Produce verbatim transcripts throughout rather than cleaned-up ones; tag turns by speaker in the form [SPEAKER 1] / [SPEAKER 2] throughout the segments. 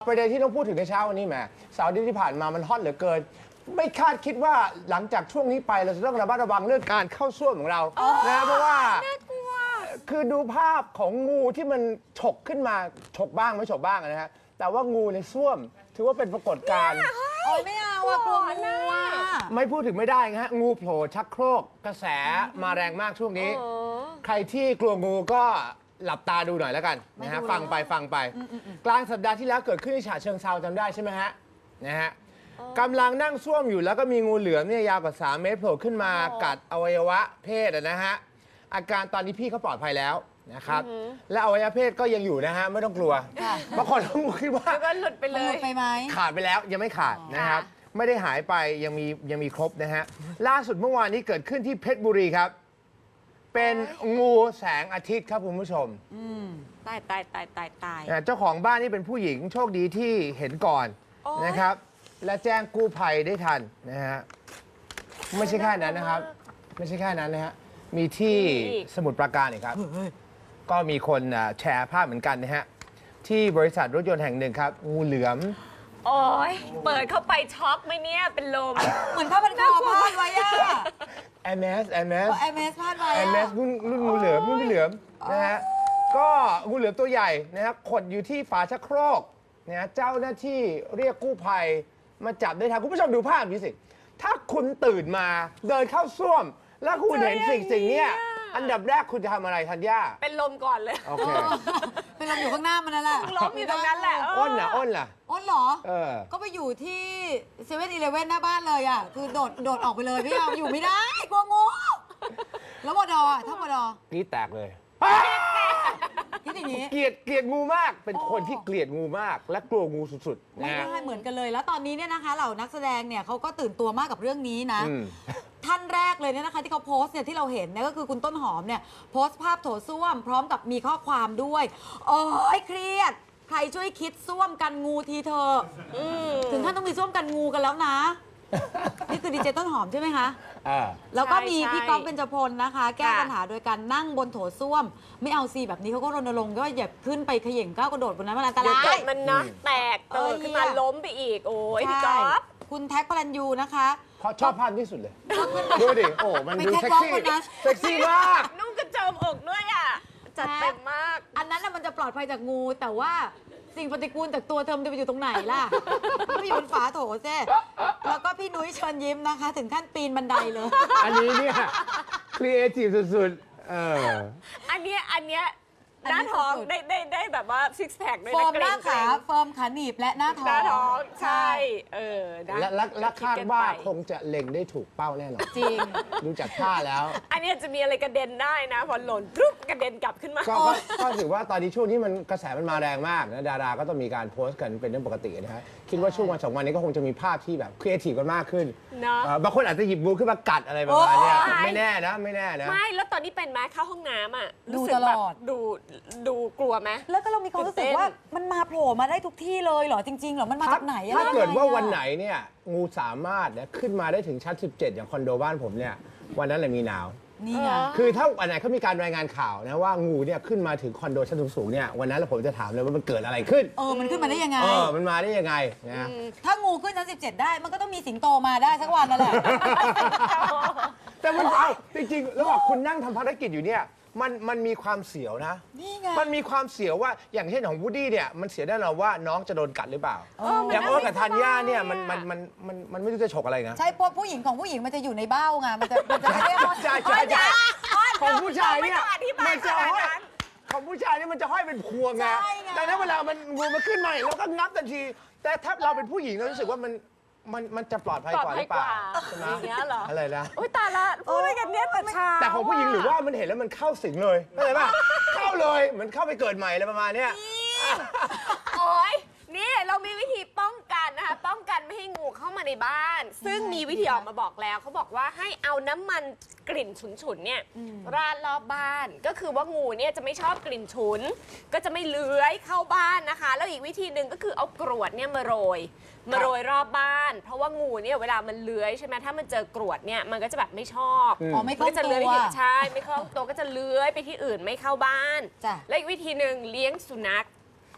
[SPEAKER 1] ประเด็นที่ต้องพูดถึงในเช้าวันนี้แหมเสาร์อาทิตย์ที่ผ่านมามันฮอตเหลือเกินไม่คาดคิดว่าหลังจากช่วงนี้ไปเราจะต้องระมัดระวังเรื่องการเข้าส้วมของเรานะเพราะว่าคือดูภาพของงูที่มันฉกขึ้นมาฉกบ้างไม่ฉกบ้างนะฮะแต่ว่างูในส้วมถือว่าเป็นปรากฏการณ์
[SPEAKER 2] โอ้ยไม่เอาอะกลัวงูอะ
[SPEAKER 1] ไม่พูดถึงไม่ได้นะฮะงูโผล่ชักโครกกระแสมาแรงมากช่วงนี้ ใครที่กลัวงูก็หลับตาดูหน่อยแล้วกันนะฮะฟังไปฟังไป กลางสัปดาห์ที่แล้วเกิดขึ้นที่ฉะเชิงเทราจำได้ใช่ไหมฮะนะฮะกำลังนั่งส้วมอยู่แล้วก็มีงูเหลือมเนี่ยยาวกว่าสามเมตรโผล่ขึ้นมากัดอวัยวะเพศนะฮะอาการตอนนี้พี่เขาปลอดภัยแล้วนะครับและอวัยวะเพศก็ยังอยู่นะฮะไม่ต้องกลัวบางคนคิดว่า
[SPEAKER 3] แล้วก็หลุดไปเล
[SPEAKER 2] หลุ
[SPEAKER 3] ย
[SPEAKER 2] ดไปไหม
[SPEAKER 1] ขาดไปแล้วยังไม่ขาดนะครับไม่ได้หายไปยังมียังมีครบนะฮะล่าสุดเมื่อวานนี้เกิดขึ้นที่เพชรบุรีครับเป็นงูแสงอาทิตย์ครับคุณผู้ชม
[SPEAKER 3] ตายตายตายตายตาย
[SPEAKER 1] เจ้าของบ้านนี่เป็นผู้หญิงโชคดีที่เห็นก่อน
[SPEAKER 3] โอ๊ย
[SPEAKER 1] นะครับ และแจ้งกู้ภัยได้ทันนะฮะไม่ใช่แค่นั้นนะครับ ไม่ใช่แค่นั้นนะฮะมีที่สมุทรปราการอีกครับ ก็มีคนอ่ะแชร์ภาพเหมือนกันนะฮะที่บริษัทรถยนต์แห่งหนึ่งครับงูเหลือม
[SPEAKER 3] โอ้ยเปิดเข้าไปช็อกไหมเนี่ยเป็นลม
[SPEAKER 2] เหมือนผ้าพันคอพาดไว้อะ
[SPEAKER 1] แอมเอสแอมเอส
[SPEAKER 2] แอมเอสพาดไว้
[SPEAKER 1] แอ
[SPEAKER 2] อะ
[SPEAKER 1] มเอสรุ่นรุ่นงูเหลือมรุ่นพี่เหลือมนะฮะก็งูเหลือมตัวใหญ่นะครับขดอยู่ที่ฝาชักโครกนะฮะเจ้าหน้าที่เรียกกู้ภัยมาจับได้ทันคุณผู้ชมดูภาพนี้สิถ้าคุณตื่นมาเดินเข้าส้วม แล้วคุณเห็นสิ่งสิ่งเนี้ยอันดับแรกคุณจะทำอะไรธัญญา
[SPEAKER 3] เป็นลมก่อนเลย
[SPEAKER 1] โอเค
[SPEAKER 2] เป็นลมอยู่ข้างหน้ามันนั่นแหละ
[SPEAKER 3] ล้มอยู่ตรงนั้นแหละเ
[SPEAKER 1] อ้นล่ะอ้นล่ะ
[SPEAKER 2] อ้นเหรอ
[SPEAKER 1] เออ
[SPEAKER 2] ก็ไปอยู่ที่เซเว่นอีเลฟเว่นหน้าบ้านเลยอะคือโดดโดดออกไปเลยพี่เอาอยู่ไม่ได้กลัวงูแล้วบดอะถ้าบดอก
[SPEAKER 1] รีดแตกเลย
[SPEAKER 2] คิดอย่างนี้
[SPEAKER 1] เกลียดเกลียดงูมาก เป็นคนที่เกลียดงูมาก และกลัวงูสุดๆ
[SPEAKER 2] ไม่
[SPEAKER 1] นะ
[SPEAKER 2] ได้เหมือนกันเลย แล้วตอนนี้เนี่ยนะคะเหล่านักแสดงเนี่ยเขาก็ตื่นตัวมากกับเรื่องนี้นะ
[SPEAKER 1] อืม
[SPEAKER 2] ท่านแรกเลยเนี่ยนะคะที่เขาโพสต์เนี่ยที่เราเห็นเนี่ยก็คือคุณต้นหอมเนี่ยโพสต์ภาพโถส้วม พร้อมกับมีข้อความด้วยโอ้ยเครียด ใครช่วยคิดส้วมกันงูทีเธอะถึงท่านต้องมีส้วมกันงูกันแล้วนะ นี่คือดีเจต้นหอมใช่ไหมคะ
[SPEAKER 1] อ่า
[SPEAKER 2] แล้วก็มี
[SPEAKER 3] ใช่
[SPEAKER 2] พี่ก๊อฟเบญจพลนะคะ แก้
[SPEAKER 3] ค่ะ
[SPEAKER 2] ปัญหาโดยการนั่งบนโถส้วม ไม่เอาซีแบบนี้เขาก็รณรงค์ว่าอย่าขึ้นไปเขย่งก้าวกระโดดบนนั้นมันอันต
[SPEAKER 3] เดี๋ยว
[SPEAKER 2] รา
[SPEAKER 3] เกิ
[SPEAKER 2] ย
[SPEAKER 3] ดมันนะแตก
[SPEAKER 2] เอ
[SPEAKER 3] เติ
[SPEAKER 2] อ
[SPEAKER 3] ดขึ้นมาล้มไปอีก โอ้ยพี่
[SPEAKER 2] ใช่
[SPEAKER 3] ก๊อฟ
[SPEAKER 2] คุณแท็กพลันยูนะคะ
[SPEAKER 1] เพราะชอบภาพที่สุดเลย ดูดิ โอ้ มัน
[SPEAKER 2] ไป
[SPEAKER 1] ดู
[SPEAKER 2] แคท
[SPEAKER 1] เซ็ก
[SPEAKER 2] วอล์ก
[SPEAKER 1] ซี่
[SPEAKER 2] คนนั้น
[SPEAKER 1] เซ็กซี่มาก
[SPEAKER 3] นุ่งกระโจมอกด้วยอ่ะ จัดเต็มมาก
[SPEAKER 2] อันนั้นน่ะมันจะปลอดภัยจากงู แต่ว่าสิ่งปฏิกูลจากตัวเธอมันจะไปอยู่ตรงไหนล่ะ มันไปอยู่บนฝาโถเจ้แล้วก็พี่นุ้ยเชิญยิ้มนะคะ ถึงขั้นปีนบันไดเลย
[SPEAKER 1] อันนี้เนี่ยครีเอทีฟสุดๆ เออ
[SPEAKER 3] อันเนี้ยอันเนี้ย
[SPEAKER 2] อัน
[SPEAKER 3] ห
[SPEAKER 2] นี้
[SPEAKER 3] น้าท้อง
[SPEAKER 2] สุดๆ
[SPEAKER 3] ได้ได้ได้แบบว่าซิกแพคด้วย
[SPEAKER 2] เฟิ
[SPEAKER 3] นะ
[SPEAKER 2] ร์ม
[SPEAKER 3] เก
[SPEAKER 2] ห
[SPEAKER 3] ร
[SPEAKER 2] น้าง
[SPEAKER 3] เกร
[SPEAKER 2] ขาง เฟิร์มขาหนีบและหน้าท้อง
[SPEAKER 3] หน้าท้องใช่เออนะ
[SPEAKER 1] และและและคาดว่า
[SPEAKER 3] คิดกันไป
[SPEAKER 1] คงจะเล็งได้ถูกเป้าแน่นอน
[SPEAKER 2] จริง
[SPEAKER 1] ดูจากท่าแล้ว
[SPEAKER 3] อันเนี้ยจะมีอะไรกระเด็นได้นะพอหล่นปุ๊บกระเด็นกลับขึ้นมา
[SPEAKER 1] ก็ก็ก็ถือว่าตอนนี้ช่วงนี้มันกระแสมันมาแรงมากนะดาราก็ต้องมีการโพสต์กันเป็นเรื่องปกตินะฮะคิดว่าช่วงวันสองวันนี้ก็คงจะมีภาพที่แบบครีเอทีฟกันมากขึ้น
[SPEAKER 3] เนอะ
[SPEAKER 1] เอ่อบางคนอาจจะหยิบงูขึ้นมากัดอะไรประมาณเนี้ย
[SPEAKER 3] โอ๊ย
[SPEAKER 1] ไม่แน่นะไม่แน่นะ
[SPEAKER 3] ไม่แล้วตอนนี้เป็นไหมเข้าห้องน้ำอ่ะ
[SPEAKER 2] ดู
[SPEAKER 3] รู้สึก
[SPEAKER 2] ตล
[SPEAKER 3] แบบ
[SPEAKER 2] อด
[SPEAKER 3] ดูดูกลัวไหม
[SPEAKER 2] แล้วก็เรามีความรู้สึกว่ามันมาโผล่มาได้ทุกที่เลยเหรอจริงๆเหรอมันมาจากไหนอะ
[SPEAKER 1] ถ้าเกิดว่าวัน
[SPEAKER 2] อะ
[SPEAKER 1] ไหนเนี่ยงูสามารถเนี่ยขึ้นมาได้ถึงชั้นสิบเจ็ดอย่างคอนโดบ้านผมเนี่ยวันนั้นเลยมีหนาว
[SPEAKER 2] นี่ไง
[SPEAKER 3] เออ
[SPEAKER 1] คือถ้าวันไหนเขามีการรายงานข่าวนะว่างูเนี่ยขึ้นมาถึงคอนโดชั้นสูงๆเนี่ยวันนั้นเราผมจะถามเลยว่ามันเกิดอะไรขึ้น
[SPEAKER 2] เออมันขึ้นมาได้ยังไง
[SPEAKER 1] เออมันมาได้ยังไงนะ
[SPEAKER 2] ถ้างูขึ้นชั้นสิบเจ็ดได้ มันก็ต้องมีสิงโตมาได้สักวันนั่นแหละ
[SPEAKER 1] แต่มันเอาจริงๆแล้วบอกคุณนั่งทำภารกิจอยู่เนี่ยมันมันมีความเสียวนะ
[SPEAKER 2] นี่ไง
[SPEAKER 1] มันมีความเสียวว่าอย่างเช่นของวูดดี้เนี่ยมันเสียแน่นอนว่าน้องจะโดนกัดหรือเปล่า
[SPEAKER 2] เออมัน
[SPEAKER 1] อย่างโอ๊ตกับ
[SPEAKER 3] ไม่สบาย
[SPEAKER 1] ธัญญาเนี่ยมัน
[SPEAKER 3] อะ
[SPEAKER 1] มันมันมันมันไม่รู้จะฉกอะไรนะ
[SPEAKER 2] ใช่เพราะผู้หญิงของผู้หญิงมันจะอยู่ในเบ้าไงมันจะมันจะไม่ได้
[SPEAKER 1] ใช่ใช่ใช่ของผู้ชายเนี่ย
[SPEAKER 3] ไม่ต้องอธิบาย
[SPEAKER 1] มันจะ
[SPEAKER 3] ขนาด
[SPEAKER 1] ห้อย
[SPEAKER 3] นั้น
[SPEAKER 1] ของผู้ชายเนี่ยมันจะห้อยเป็นพวงไง
[SPEAKER 2] ใช่ไง
[SPEAKER 1] ดังนั้นเวลามันงูมันขึ้นมาเราก็งับทันที แต่ถ้าเราเป็นผู้หญิงเรารู้สึกว่ามันมันมันจะปลอดภัย
[SPEAKER 3] ปลอด
[SPEAKER 1] กว่าห
[SPEAKER 3] ภั
[SPEAKER 1] รื
[SPEAKER 3] ย
[SPEAKER 1] อเป
[SPEAKER 3] ก
[SPEAKER 1] ล่า
[SPEAKER 3] ว่า
[SPEAKER 1] ใช่ไหม
[SPEAKER 3] อย่างเงี้ยเหรอ
[SPEAKER 1] อะไรนะ
[SPEAKER 3] อุ้ยตายละพูดอะไรกันเนี่ยแต่เช้า
[SPEAKER 1] แต่ของผู้หญิงหรือว่ามันเห็นแล้วมันเข้าสิงเลยเข้าใจป่ะเข้าเลยเหมือนเข้าไปเกิดใหม่อะไรประมาณเนี้ย
[SPEAKER 3] โอ้ยนี่เรามีวิธีป้องกันนะคะป้องกันไม่ให้งูเข้ามาในบ้าน ซึ่งมีวิธีออกมาบอกแล้วเขาบอกว่าให้เอาน้ำมันกลิ่นฉุนๆเนี่ยราดรอบบ้านก็คือว่างูเนี่ยจะไม่ชอบกลิ่นฉุน ก็จะไม่เลื้อยเข้าบ้านนะคะ แล้วอีกวิธีหนึ่งก็คือเอากรวดเนี่ยมาโรยมาโรยรอบบ้าน เพราะว่างูเนี่ยเวลามันเลื้อยใช่ไหมถ้ามันเจอกรวดเนี่ยมันก็จะแบบไม่ชอบ
[SPEAKER 2] อ๋อไม่คล่
[SPEAKER 3] มั
[SPEAKER 2] อน ง
[SPEAKER 3] ก็จะ
[SPEAKER 2] ตั
[SPEAKER 3] เลื้อยไป
[SPEAKER 2] ว
[SPEAKER 3] ที่ใช่ไม่เข้าตัวก็จะเลื้อยไปที่อื่นไม่เข้าบ้าน
[SPEAKER 2] จ้ะ
[SPEAKER 3] และอีกวิธีหนึ่งเลี้ยงสุนัข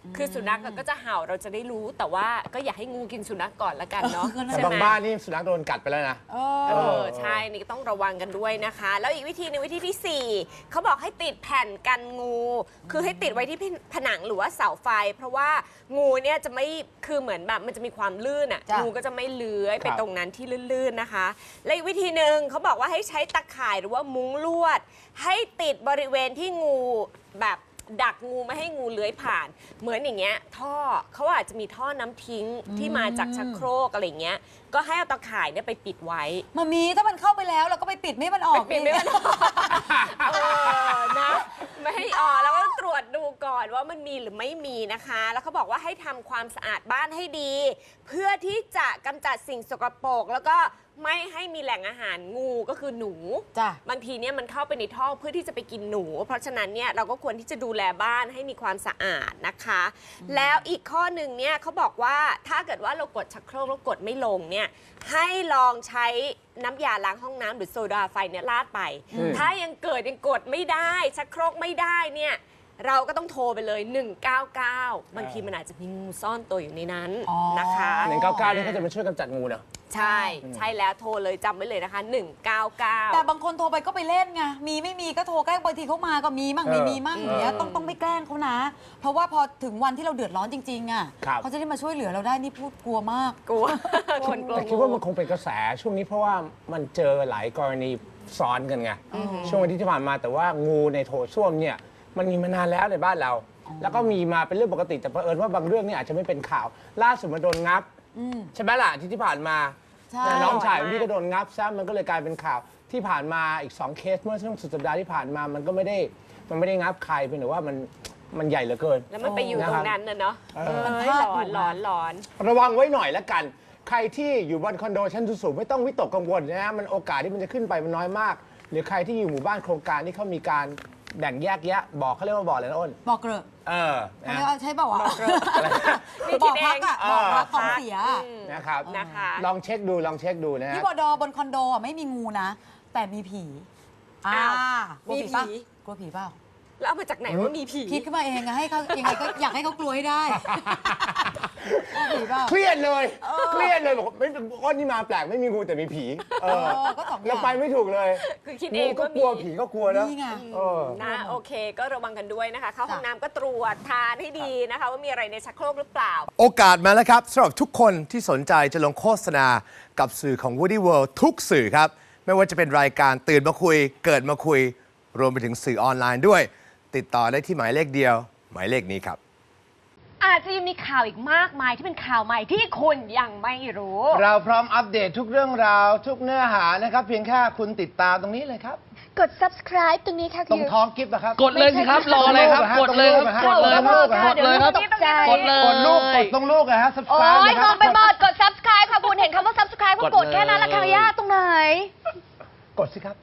[SPEAKER 3] คือสุนัขก็จะเห่าเราจะได้รู้แต่ว่าก็อย่าให้งูกินสุนัขก่อนละกันเนาะ
[SPEAKER 1] แต่
[SPEAKER 3] ใช่
[SPEAKER 1] บาง
[SPEAKER 3] ไหม
[SPEAKER 1] บ้านนี่สุนัขโดนกัดไปแล้วนะ
[SPEAKER 2] เอ
[SPEAKER 3] เอ
[SPEAKER 2] อ
[SPEAKER 3] อใช่นี่ก็ต้องระวังกันด้วยนะคะ แล้วอีกวิธีหนึงวิธีที่สี่เขาบอกให้ติดแผ่นกันงู คือให้ติดไว้ที่ผนังหรือว่าเสาไฟ เพราะว่างูเนี่ยจะไม่คือเหมือนแบบมันจะมีความลื่นอ่ะ
[SPEAKER 2] จ้ะ
[SPEAKER 3] งูก็จะไม่เลื้อยไป
[SPEAKER 1] ครับ
[SPEAKER 3] ตรงนั้นที่ลื่นๆนะคะ และอีกวิธีหนึ่งเขาบอกว่าให้ใช้ตะข่ายหรือว่ามุ้งลวด ให้ติดบริเวณที่งูแบบดักงูไม่ให้งูเลื้อยผ่าน เหมือนอย่างเงี้ยท่อเขาอาจจะมีท่อน้ำทิ้งที่มาจากชักโครกอะไรอย่างเงี้ยก็ให้เอาตะข่ายเนี่ยไปปิดไว้
[SPEAKER 2] มามีถ้ามันเข้าไปแล้วเราก็ไปปิดไม่ให้มันออก
[SPEAKER 3] ปิดไม่มันออกเออนะไม่ให้ออกแล้วก็ตรวจดูก่อนว่ามันมีหรือไม่มีนะคะ แล้วเขาบอกว่าให้ทำความสะอาดบ้านให้ดี เพื่อที่จะกำจัดสิ่งสกปรกแล้วก็ไม่ให้มีแหล่งอาหารงูก็คือหนู
[SPEAKER 2] จ้ะ
[SPEAKER 3] บางทีเนี่ยมันเข้าไปในท่อเพื่อที่จะไปกินหนู เพราะฉะนั้นเนี่ยเราก็ควรที่จะดูแลบ้านให้มีความสะอาดนะคะ แล้วอีกข้อหนึ่งเนี่ยเขาบอกว่าถ้าเกิดว่าเรากดชักโครกแล้วกดไม่ลงเนี่ยให้ลองใช้น้ำยาล้างห้องน้ำหรือโซดาไฟเนี่ยราดไป
[SPEAKER 1] อืม
[SPEAKER 3] ถ้ายังเกิดยังกดไม่ได้ชักโครกไม่ได้เนี่ยเราก็ต้องโทรไปเลย หนึ่งเก้าเก้า บางทีมันอาจจะมีงูซ่อนตัวอยู่ในนั้น
[SPEAKER 2] อ๋อ
[SPEAKER 3] นะคะ
[SPEAKER 1] หนึ่งเก้าเก้านี่เขาจะมาช่วยกำจัดงูเนอะ
[SPEAKER 3] ใช่ใช่แล้วโทรเลยจำไว้เลยนะคะ หนึ่งเก้าเก้า
[SPEAKER 2] แต่บางคนโทรไปก็ไปเล่นไง มีไม่มีก็โทรแกล้งบางทีเขามาก็มีมั่ง
[SPEAKER 1] เออ
[SPEAKER 2] ไม่มีมั่งอย่างเงี้ย
[SPEAKER 1] เออ
[SPEAKER 2] ต้องต้องไม่แกล้งเขานะ เพราะว่าพอถึงวันที่เราเดือดร้อนจริง ๆอ่ะ
[SPEAKER 1] ครับ
[SPEAKER 2] เขาจะได้มาช่วยเหลือเราได้นี่พูดกลัวมาก
[SPEAKER 3] กลัว คนกลัว
[SPEAKER 1] แต่คิดว่ามันคงเป็นกระแสช่วงนี้เพราะว่ามันเจอหลายกรณีซ้อนกันไงช่วงวันที่ที่ผ่านมาแต่ว่างูในโถส้วมเนี่ยมันมีมานานแล้วในบ้านเรา แล้วก็มีมาเป็นเรื่องปกติแต่เผอิญว่าบางเรื่องเนี่ยอาจจะไม่เป็นข่าว ล่าสุดมันโดนงับ
[SPEAKER 2] อืม
[SPEAKER 1] ใช่ไหมล่ะที่ที่ผ่านมา
[SPEAKER 2] ใช่
[SPEAKER 1] แต่น้องชายของพี่ก็โดนงับซะมันก็เลยกลายเป็นข่าวที่ผ่านมาอีกสองเคสเมื่อช่วงสุดสัปดาห์ที่ผ่านมามันก็ไม่ได้มันไม่ได้งับใครเป็นแต่ว่ามันมันใหญ่เหลือเกิน
[SPEAKER 3] แล้วมันไปอยู่ตรงนั้นน่ะเนาะ
[SPEAKER 1] เอ
[SPEAKER 3] เอ
[SPEAKER 1] อ
[SPEAKER 3] อหลอนหลอนหลอน
[SPEAKER 1] ระวังไว้หน่อยละกัน ใครที่อยู่บนคอนโดชั้นสูงๆไม่ต้องวิตกกังวลนะฮะมันโอกาสที่มันจะขึ้นไปมันน้อยมาก หรือใครที่อยู่หมู่บ้านโครงการที่เขามีการแบ่งแยกแยะบอกเขาเรียกว่าบอกอะไรนะอ้น
[SPEAKER 2] บอกเกลอะ
[SPEAKER 1] เออ
[SPEAKER 2] เขา
[SPEAKER 1] นะ
[SPEAKER 2] เรียกว่าใช่เปล่าวะ
[SPEAKER 3] นี่
[SPEAKER 2] บ
[SPEAKER 3] คิ
[SPEAKER 2] อ
[SPEAKER 3] ด
[SPEAKER 2] ก
[SPEAKER 3] เอ
[SPEAKER 2] พัก
[SPEAKER 3] ง
[SPEAKER 2] อะ
[SPEAKER 1] เอ
[SPEAKER 2] บอก
[SPEAKER 1] อ
[SPEAKER 2] พักของเสียอะ
[SPEAKER 3] อืม
[SPEAKER 1] นะครับ
[SPEAKER 3] นะคะ
[SPEAKER 1] ลองเช็คดูลองเช็คดูนะฮะ
[SPEAKER 2] ที่บอดอบนคอนโดอ่ะไม่มีงูนะ แต่มีผีอ่า
[SPEAKER 3] อ้าว
[SPEAKER 2] กลัว
[SPEAKER 3] มี
[SPEAKER 2] ผีปะ
[SPEAKER 3] ผี
[SPEAKER 2] กลัวผีเปล่า
[SPEAKER 3] แล้วเอามาจากไหนว่ามีผี
[SPEAKER 2] คิดขึ้นมาเองอะให้เขายังไงก็อยากให้เขากลัวให้ได้กลัวผีเปล่า
[SPEAKER 1] เครียดเลยเครียดเลยบอกไม่อ้นนี่มาแปลกไม่มีงูแต่มีผีเออ
[SPEAKER 2] เออก็สองอย่าง
[SPEAKER 1] แล้วไปไม่ถูกเลย
[SPEAKER 3] คือคิด
[SPEAKER 1] งู
[SPEAKER 3] เอง
[SPEAKER 1] ก็
[SPEAKER 3] ว่าก มี
[SPEAKER 1] ลัวผีก็กลัวนะ
[SPEAKER 2] นี่ไง
[SPEAKER 1] เออ
[SPEAKER 3] นะโอเค ก็ระวังกันด้วยนะคะ เข้าห้อง
[SPEAKER 2] จ้ะ
[SPEAKER 3] น้ำก็ตรวจทานให้ดีนะคะ ว่ามีอะไรในชักโครกหรือเปล่า
[SPEAKER 1] โอกาสมาแล้วครับสำหรับทุกคนที่สนใจจะลงโฆษณากับสื่อของ Woody World ทุกสื่อครับ ไม่ว่าจะเป็นรายการตื่นมาคุย เกิดมาคุย รวมไปถึงสื่อออนไลน์ด้วย ติดต่อได้ที่หมายเลขเดียว หมายเลขนี้ครับ
[SPEAKER 4] อาจจะยังมีข่าวอีกมากมายที่เป็นข่าวใหม่ที่คุณยังไม่รู้
[SPEAKER 1] เราพร้อมอัปเดตทุกเรื่องราว ทุกเนื้อหานะครับ เพียงแค่คุณติดตามตรงนี้เลยครับ
[SPEAKER 4] กด subscribe ตรงนี้ค่ะ
[SPEAKER 1] ตรง
[SPEAKER 4] คือ
[SPEAKER 1] ท้องกิฟต์นะครับ
[SPEAKER 5] กดเลยสิครับ รออะไรครับ กดเลยครับ กดเลยครับ กดเลยครับ
[SPEAKER 4] ตกใจ
[SPEAKER 5] กดเลย
[SPEAKER 1] กดลูกกดตรงลูกนะฮะ
[SPEAKER 4] โอ้
[SPEAKER 1] subscribe
[SPEAKER 4] ย
[SPEAKER 1] เลย
[SPEAKER 4] ง
[SPEAKER 1] ครั
[SPEAKER 4] งไปหมด กด subscribe ค่ะคุณเห็นคำว่า subscribe ก็ก
[SPEAKER 5] ก
[SPEAKER 4] ด
[SPEAKER 5] ดเลย
[SPEAKER 4] แค่นั้นละค่ะย่าตรงไหน
[SPEAKER 1] กดสิครับ